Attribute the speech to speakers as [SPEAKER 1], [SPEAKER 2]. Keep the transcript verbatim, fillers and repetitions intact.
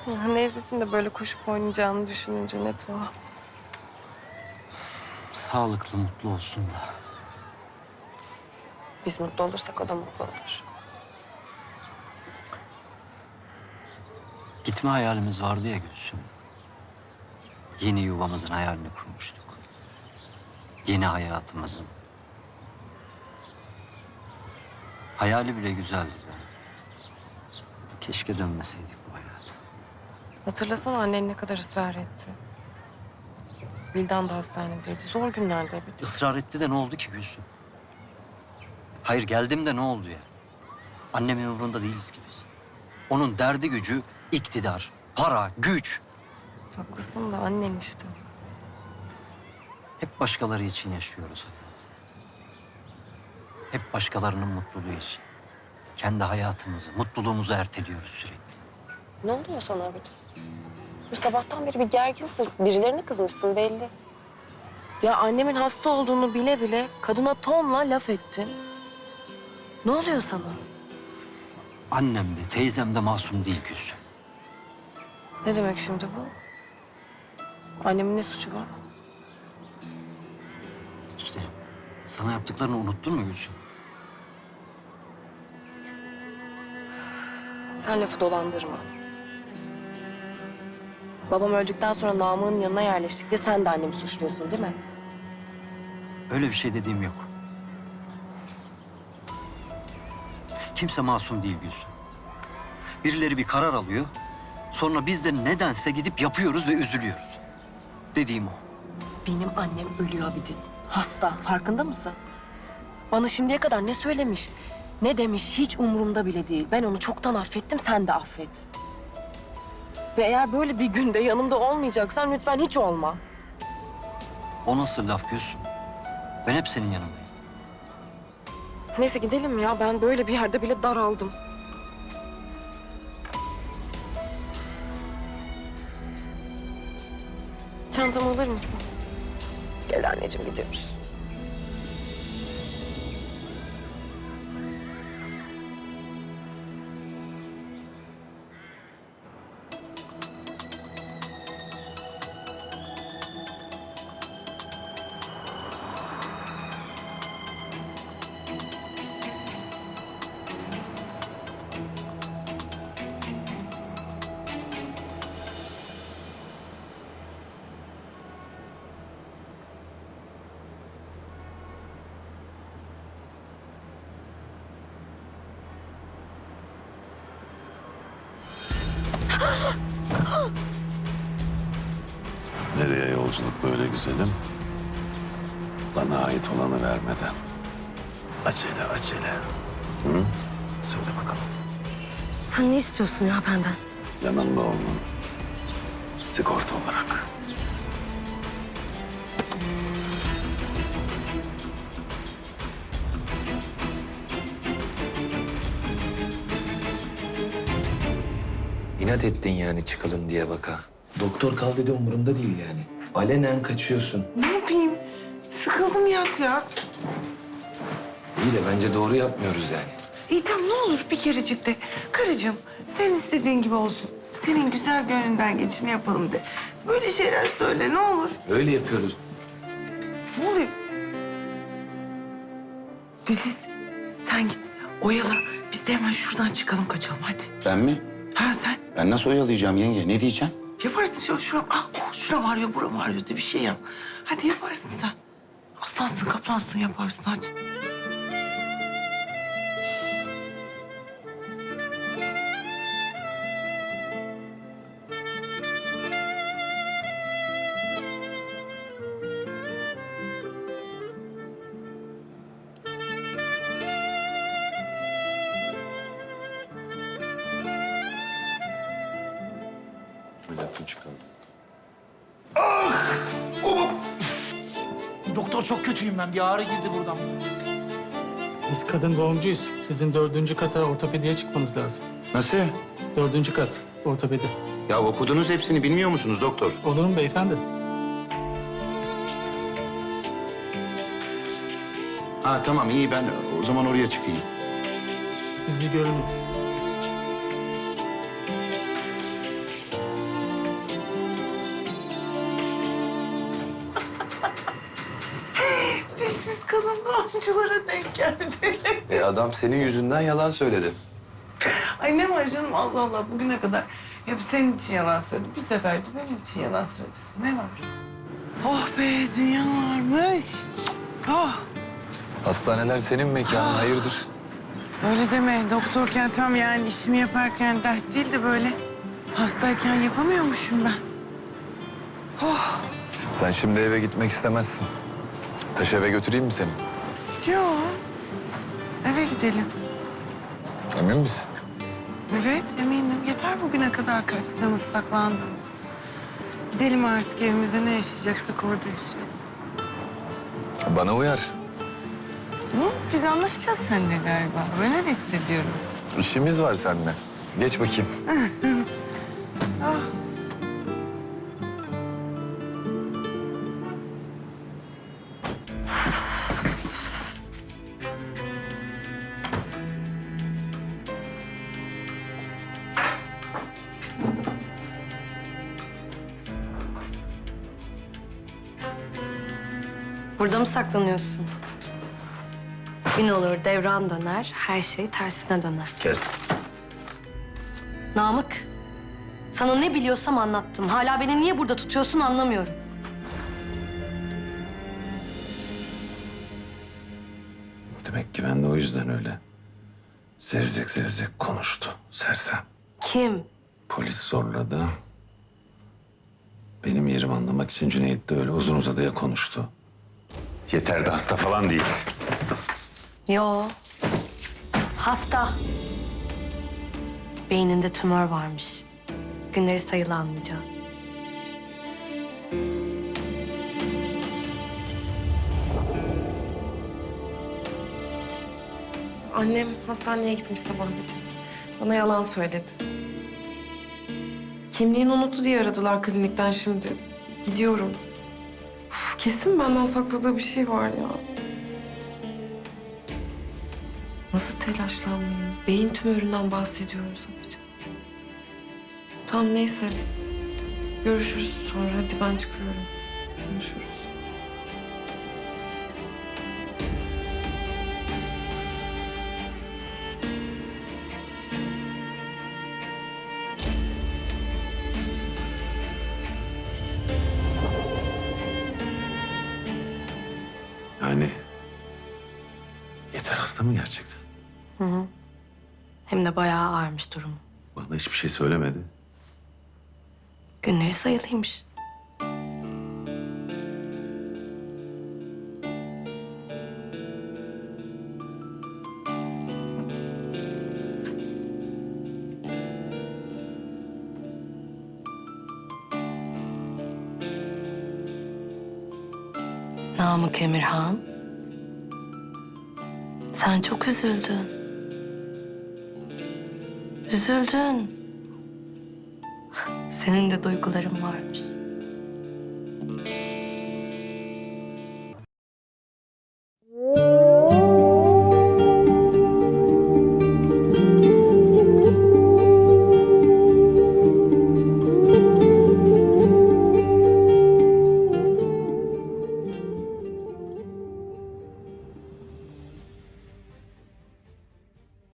[SPEAKER 1] Ya Necdet'in de böyle koşup oynayacağını düşününce ne tuhaf.
[SPEAKER 2] Sağlıklı, mutlu olsun da.
[SPEAKER 1] Biz mutlu olursak o da mutlu olur.
[SPEAKER 2] Gitme hayalimiz vardı ya Gülsüm. Yeni yuvamızın hayalini kurmuştuk. Yeni hayatımızın. Hayali bile güzeldi be. Keşke dönmeseydik bu hayata.
[SPEAKER 1] Hatırlasana annen ne kadar ısrar etti. Vildan da hastanedeydi. Zor günlerde bir de.
[SPEAKER 2] Israr etti de ne oldu ki Gülsüm? Hayır geldim de ne oldu ya? Annemin umurunda değiliz ki biz. Onun derdi gücü iktidar, para, güç.
[SPEAKER 1] Haklısın da annen işte.
[SPEAKER 2] Hep başkaları için yaşıyoruz hayat. Hep başkalarının mutluluğu için. Kendi hayatımızı, mutluluğumuzu erteliyoruz sürekli.
[SPEAKER 1] Ne oluyor sana abicim? Bu sabahtan beri bir gerginsin. Birilerine kızmışsın belli. Ya annemin hasta olduğunu bile bile kadına tonla laf ettin. Ne oluyor sana?
[SPEAKER 2] Annem de teyzem de masum değil Gülsüm.
[SPEAKER 1] Ne demek şimdi bu? Annemin ne suçu var?
[SPEAKER 2] İşte sana yaptıklarını unuttun mu Gülsüm?
[SPEAKER 1] Sen lafı dolandırma. Babam öldükten sonra Namık'ın yanına yerleştik de sen de annemi suçluyorsun değil mi?
[SPEAKER 2] Öyle bir şey dediğim yok. Kimse masum değil Gülsüm. Birileri bir karar alıyor. Sonra biz de nedense gidip yapıyoruz ve üzülüyoruz. Dediğim o.
[SPEAKER 1] Benim annem ölüyor Abidin. Hasta. Farkında mısın? Bana şimdiye kadar ne söylemiş, ne demiş hiç umurumda bile değil. Ben onu çoktan affettim, sen de affet. Ve eğer böyle bir günde yanımda olmayacaksan lütfen hiç olma.
[SPEAKER 2] O nasıl laf Gülsüm? Ben hep senin yanındayım.
[SPEAKER 1] Neyse gidelim ya. Ben böyle bir yerde bile daraldım. Çantamı alır mısın? Gel anneciğim gidiyoruz.
[SPEAKER 3] Nereye yolculuk böyle güzelim? Bana ait olanı vermeden. Acele acele. Hı? Söyle bakalım.
[SPEAKER 4] Sen ne istiyorsun ya benden?
[SPEAKER 3] Yanımda olman. Sigorta olarak.
[SPEAKER 5] İnat ettin yani çıkalım diye baka. Doktor kal dedi umurumda değil yani. Alenen kaçıyorsun.
[SPEAKER 6] Ne yapayım? Sıkıldım ya tiyatro.
[SPEAKER 5] İyi de bence doğru yapmıyoruz yani.
[SPEAKER 6] İyi tamam ne olur bir kerecik de. Karıcığım sen istediğin gibi olsun. Senin güzel gönlünden geçini yapalım de. Böyle şeyler söyle ne olur.
[SPEAKER 5] Öyle yapıyoruz.
[SPEAKER 6] Ne oluyor? Deniz sen git oyala. Biz de hemen şuradan çıkalım kaçalım hadi.
[SPEAKER 7] Ben mi?
[SPEAKER 6] Ha sen
[SPEAKER 7] Ben nasıl oyalayacağım yenge? Ne diyeceğim?
[SPEAKER 6] yaparsın şu şuram. Ah oh, şuram ağrıyor buram ağrıyor de bir şey yap. Hadi yaparsın sen. Aslansın kaplansın yaparsın hadi.
[SPEAKER 8] Doktor çok kötüyüm ben. Bir ağrı girdi buradan.
[SPEAKER 9] Biz kadın doğumcuyuz. Sizin dördüncü kata ortopediye çıkmanız lazım.
[SPEAKER 7] Nasıl?
[SPEAKER 9] Dördüncü kat ortopedi.
[SPEAKER 7] Ya okudunuz hepsini bilmiyor musunuz doktor?
[SPEAKER 9] Olur mu beyefendi?
[SPEAKER 7] Ha tamam iyi ben o zaman oraya çıkayım.
[SPEAKER 9] Siz bir görünün.
[SPEAKER 6] Mumculara denk geldi.
[SPEAKER 5] E adam senin yüzünden yalan söyledi.
[SPEAKER 6] Ay ne var canım Allah Allah bugüne kadar hep senin için yalan söyledi. Bir sefer de benim için yalan söylesin. Ne var? Oh be dünya varmış. Oh.
[SPEAKER 5] Hastaneler senin mekanın, hayırdır?
[SPEAKER 6] Öyle deme. Doktorken tam yani işimi yaparken dert değil de böyle hastayken yapamıyormuşum ben. Oh.
[SPEAKER 5] Sen şimdi eve gitmek istemezsin. Taş eve götüreyim mi seni?
[SPEAKER 6] Yok. Eve gidelim.
[SPEAKER 5] Emin misin?
[SPEAKER 6] Evet eminim. Yeter bugüne kadar kaçtığımız, saklandığımız. Gidelim artık evimize ne yaşayacaksak orada yaşayalım.
[SPEAKER 5] Bana uyar.
[SPEAKER 6] Hı? Biz anlaşacağız seninle galiba. Ben öyle hissediyorum.
[SPEAKER 5] İşimiz var seninle. Geç bakayım.
[SPEAKER 6] Ah.
[SPEAKER 4] Burada mı saklanıyorsun? Gün olur, devran döner, her şey tersine döner.
[SPEAKER 7] Kes.
[SPEAKER 4] Namık, sana ne biliyorsam anlattım. Hala beni niye burada tutuyorsun anlamıyorum.
[SPEAKER 3] Demek ki ben de o yüzden öyle. Zevzek zevzek konuştu. Sersem.
[SPEAKER 4] Kim?
[SPEAKER 3] Polis zorladı. Benim yerimi anlamak için Cüneyt de öyle uzun uzadıya konuştu. Yeter de hasta falan değil.
[SPEAKER 4] Yo. Hasta. Beyninde tümör varmış. Günleri sayılı anlayacağım.
[SPEAKER 10] Annem hastaneye gitmiş sabahleyin. Bana yalan söyledi. Kimliğini unuttu diye aradılar klinikten şimdi. Gidiyorum. Uf, kesin benden sakladığı bir şey var ya. Nasıl telaşlanmayayım? Beyin tümöründen bahsediyoruz sadece. Tamam neyse. Görüşürüz sonra. Hadi ben çıkıyorum. Konuşuruz.
[SPEAKER 3] Yani yeter hasta mı gerçekten?
[SPEAKER 4] Hı hı. Hem de bayağı ağırmış durumu.
[SPEAKER 3] Bana hiçbir şey söylemedi.
[SPEAKER 4] Günleri sayılıymış. Namık Emirhan, sen çok üzüldün. Üzüldün. Senin de duyguların varmış.